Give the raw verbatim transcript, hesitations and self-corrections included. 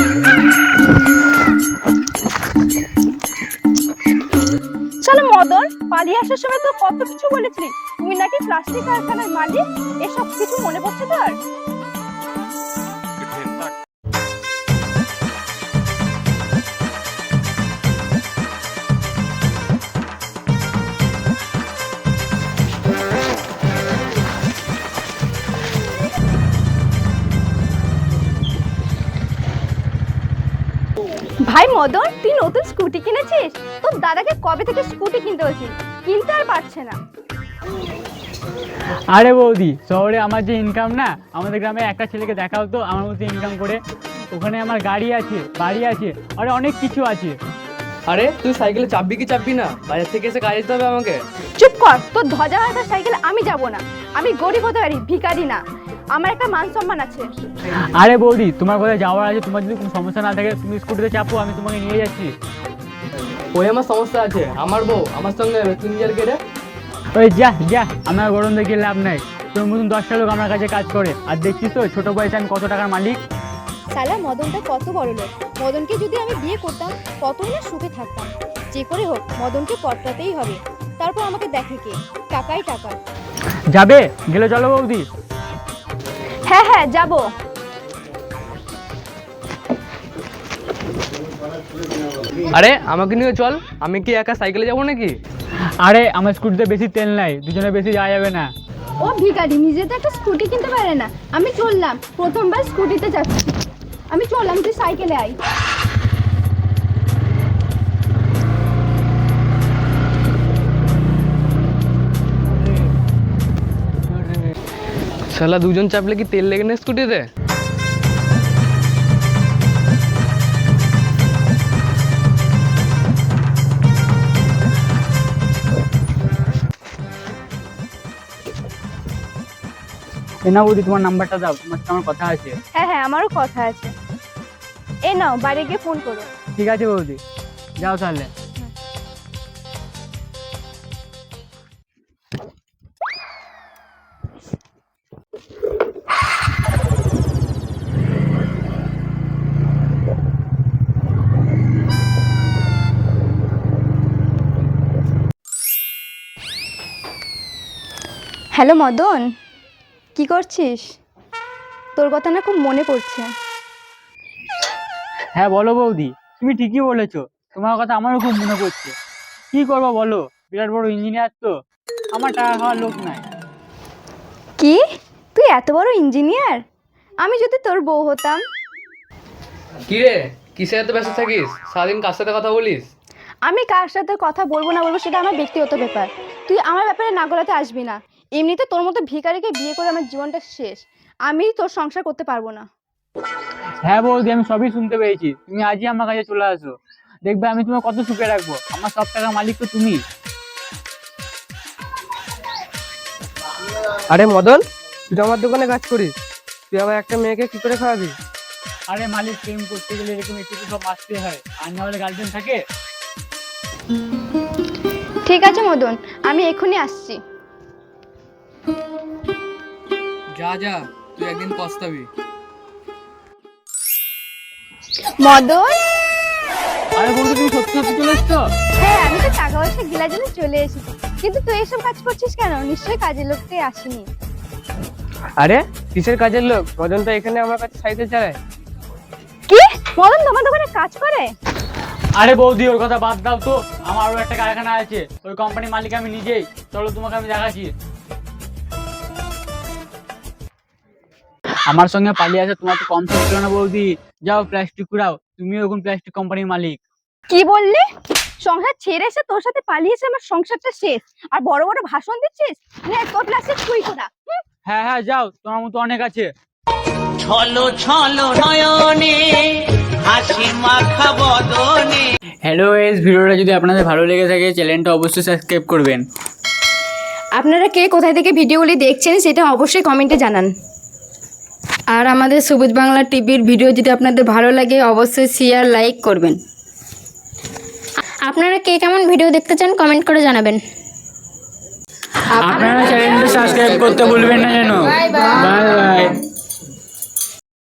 চলো মদন, পালিয়ে আসার সময় তো কত কিছু বলেছিলি, তুমি নাকি প্লাস্টিক কারখানার মালিক, এসব কিছু মনে পড়ছে তোর? ভাই মদন, তুই নতুন স্কুটি কিনেছিস? তোর দাদাকে কবে থেকে স্কুটি কিনতে হয়েছে, কিনতে আর পারছে না। আরে বৌদি, শহরে আমার যে ইনকাম না, আমাদের গ্রামে একটা ছেলেকে দেখাও তো আমার মতো ইনকাম করে। ওখানে আমার গাড়ি আছে, বাড়ি আছে, আরে অনেক কিছু আছে। আরে তুই সাইকেলে চাপবি কি চাপবি না? বাজার থেকে এসে কাজ দিতে হবে আমাকে। চুপ কর, তোর ধ্বজা হাতার সাইকেলে আমি যাব না। আমি গরিব হতে পারি, ভিখারি না। আমার একটা মান সম্মান আছে। আরে বৌদি, তোমার কোথায় যাওয়ার আছে, তোমার যদি কোনো সমস্যা না থাকে তুমি স্কুটিতে চাপো, আমি তোমাকে নিয়ে যাচ্ছি। ওই আমার সমস্যা আছে, আমার বউ আমার সঙ্গে তুই নিজের কেটে। ওই যা যা, আমার গরম দেখে লাভ নাই। তোর মতন দশটা লোক আমার কাছে কাজ করে, আর দেখছিস তো ছোট বয়সে আমি কত টাকার মালিক। সালা মদনটা কত বড় লোক। মদনকে যদি আমি বিয়ে করতাম কতই না সুখে থাকতাম। যে করে হোক মদনকে পটাতেই হবে, তারপর আমাকে দেখে কে, টাকাই টাকা। যাবে গেলে চলো বৌদি। হ্যাঁ হ্যাঁ যাব। আরে আমাকে নিয়ে চল, আমি কি একা সাইকেলে যাবো নাকি? আরে আমার স্কুটিতে বেশি তেল নাই, দুজনে বেশি যাওয়া যাবে না। ও ভিখারি, নিজে তো একটা স্কুটি কিনতে পারে না। আমি চললাম, প্রথমবার স্কুটিতে যাচ্ছি। আমি চললাম, তুই সাইকেলে আই। শালা দুজন চাপলে কি তেল লেগে না স্কুটিতে? না বৌদি, তোমার নাম্বারটা দাও, তোমার সাথে আমার কথা আছে। হ্যাঁ হ্যাঁ, আমারও কথা আছে। এ নাও, বাইরে গিয়ে ফোন করো। ঠিক আছে বৌদি, যাও তাহলে। হ্যালো মদন, কি করছিস? তোর কথা না খুব মনে পড়ছে। হ্যাঁ বলো বৌদি, তুমি ঠিকই বলেছো, তোমার কথা আমারও খুব মনে পড়ছে। কি করবো বলো, বিরাট বড় ইঞ্জিনিয়ার তো, আমার টাকা খাওয়ার লোক নাই। কি, তুই এত বড় ইঞ্জিনিয়ার? আমি যদি তোর বউ হতাম। কি রে, কিসে এত ব্যস্ত থাকিস? সারাদিন কার সাথে কথা বলিস? আমি কার সাথে কথা বলবো না বলবো সেটা আমার ব্যক্তিগত ব্যাপার। তুই আমার ব্যাপারে না গলাতে আসবি না। এমনিতে তোর মতো ভিখারিকে বিয়ে করে আমার জীবনটা শেষ। আমি তোর সংসার করতে পারবো না। হ্যাঁ বৌদি, আমি সবই শুনতে পেয়েছি, তুমি আজই আমার কাছে চলে আসো, দেখবে আমি তোমার কত সুখে রাখবো। আমার সব টাকার মালিক তো তুমি। আরে মদন, তুই তো আমার দোকানে কাজ করিস, তুই আবার একটা মেয়েকে কি করে খাওয়াবি? আরে মালিক, প্রেম করতে গেলে এরকম একটু তো সব আসতে হয়, আর না হলে গার্লফ্রেন্ড থাকে। ঠিক আছে মদন, আমি এক্ষুনি আসছি। যা যা, তুই একদিন পস্তাবি। মদন, আরে বৌদি, তুমি সত্যি সত্যি চলে এসছো? হ্যাঁ আমি তো টাকা পয়সা গিলার জন্য চলে এসেছি, কিন্তু তুই এসব কাজ করছিস কেন? নিশ্চয়ই কাজের লোকটাই আসেনি। আরে কিসের কাজের লোক? মদন তো এখানে আমার কাছে সাইকেল চালায়। কি, মদন তোমার দোকানে কাজ করে? আরে বৌদি, ওর কথা বাদ দাও তো, আমার আরো একটা কারখানা আছে, ওই কোম্পানির মালিক আমি নিজেই। চলো তোমাকে আমি দেখাচ্ছি। আমার সঙ্গে পালিয়ে আসে তোমার তো কম ছিল না বৌদি। যাও প্লাস্টিক কুড়াও, তুমিও এখন প্লাস্টিক কোম্পানির মালিক। কি বললি? সংসার ছেড়ে এসে তোর সাথে পালিয়েছে, আমার সংসারটা শেষ, আর বড় বড় ভাষণ দিচ্ছিস? নে তোর প্লাস্টিক তুই কোথা। হ্যাঁ হ্যাঁ যাও, তোমার মতো অনেক আছে। ছলো ছলো নয়নে হাসি মাখা বদনে। হ্যালো গাইস, ভিডিওটা যদি আপনাদের ভালো লেগে থাকে চ্যানেলটা অবশ্যই সাবস্ক্রাইব করবেন। আপনারা কে কোথায় থেকে ভিডিওগুলি দেখছেন সেটা অবশ্যই কমেন্টে জানান। আর আমাদের সবুজ বাংলা টিভির ভিডিও যদি আপনাদের ভালো লাগে অবশ্যই শেয়ার লাইক করবেন। আপনারা কে কেমন ভিডিও দেখতে চান কমেন্ট করে জানাবেন। আপনারা চ্যানেলটা সাবস্ক্রাইব করতে ভুলবেন না যেন। Bye by.